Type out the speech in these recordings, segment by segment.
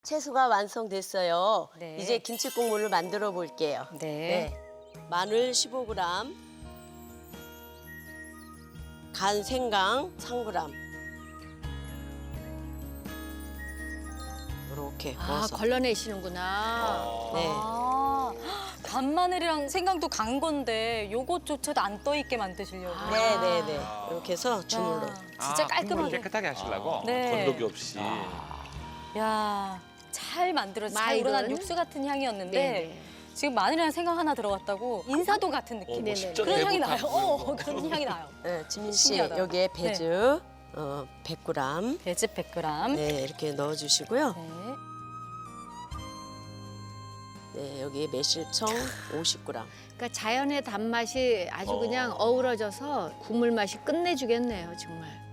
채소가 완성됐어요. 네. 이제 김치 국물을 만들어 볼게요. 네. 마늘 15g, 간 생강 3g. 이렇게 아, 넣어서. 걸러내시는구나. 네. 아, 간마늘이랑 생강도 간 건데 요것조차도 안 떠 있게 만드시려고. 네네네. 이렇게 해서 주물러. 야, 진짜 깔끔하게. 깨끗하게 하시려고. 네. 건더기 없이. 야, 잘 만들어서 잘 마일은? 우러난 육수 같은 향이었는데 네네. 지금 마늘이랑 생강 하나 들어갔다고 인사도 같은 느낌. 네네. 진짜 그런 향이 대구 나요. 같고. 그런 향이 나요. 네, 지민 씨 신기하다. 여기에 배즙 100g. 배즙 100g. 네, 이렇게 넣어주시고요. 네. 네, 여기에 매실청 50g. 그러니까 자연의 단맛이 아주 그냥 어우러져서 국물 맛이 끝내주겠네요, 정말.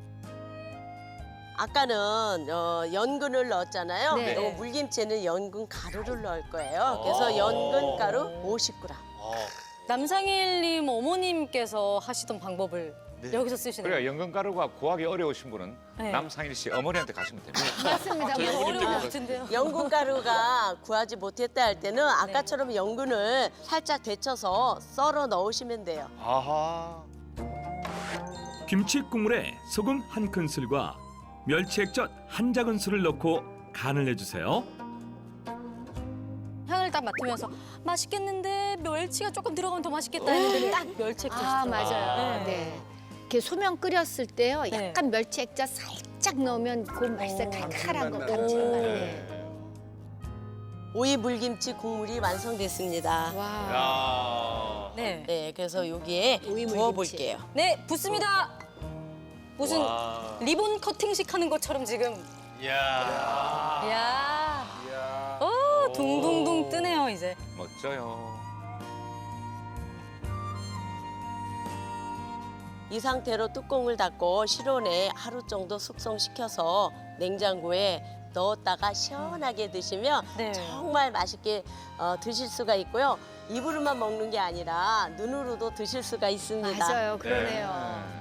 아까는 연근을 넣었잖아요. 네. 요 물김치에는 연근 가루를 넣을 거예요. 그래서 연근 가루 50g. 남상일님 어머님께서 하시던 방법을 여기서 쓰시네요. 그래요. 연근가루가 구하기 어려우신 분은 네. 남상일 씨 어머니한테 가시면 됩니다. 맞습니다. 되게 뭐 어려운 것 같은데요. 연근 가루가 구하지 못했다 할 때는 아까처럼 연근을 살짝 데쳐서 썰어 넣으시면 돼요. 아하. 김치 국물에 소금 한 큰술과 멸치 액젓 한 작은술을 넣고 간을 내주세요. 향을 딱 맡으면서 맛있겠는데 멸치가 조금 들어가면 더 맛있겠다 했는데 딱 멸치 액젓이 아, 들어가요. 맞아요. 네. 이렇게 소면 끓였을 때요, 네. 약간 멸치 액젓 살짝 넣으면 그 맛있어요. 칼칼한 거 감칠맛. 네. 오이 물김치 국물이 완성됐습니다. 와. 야. 네. 네, 그래서 여기에 오이 물김치. 부어볼게요. 네, 붓습니다. 무슨 와. 리본 커팅식 하는 것처럼 지금. 야. 이야. 야. 둥둥둥 뜨네요, 이제. 멋져요. 이 상태로 뚜껑을 닫고 실온에 하루 정도 숙성시켜서 냉장고에 넣었다가 시원하게 드시면 네. 정말 맛있게 드실 수가 있고요. 입으로만 먹는 게 아니라 눈으로도 드실 수가 있습니다. 맞아요. 그러네요.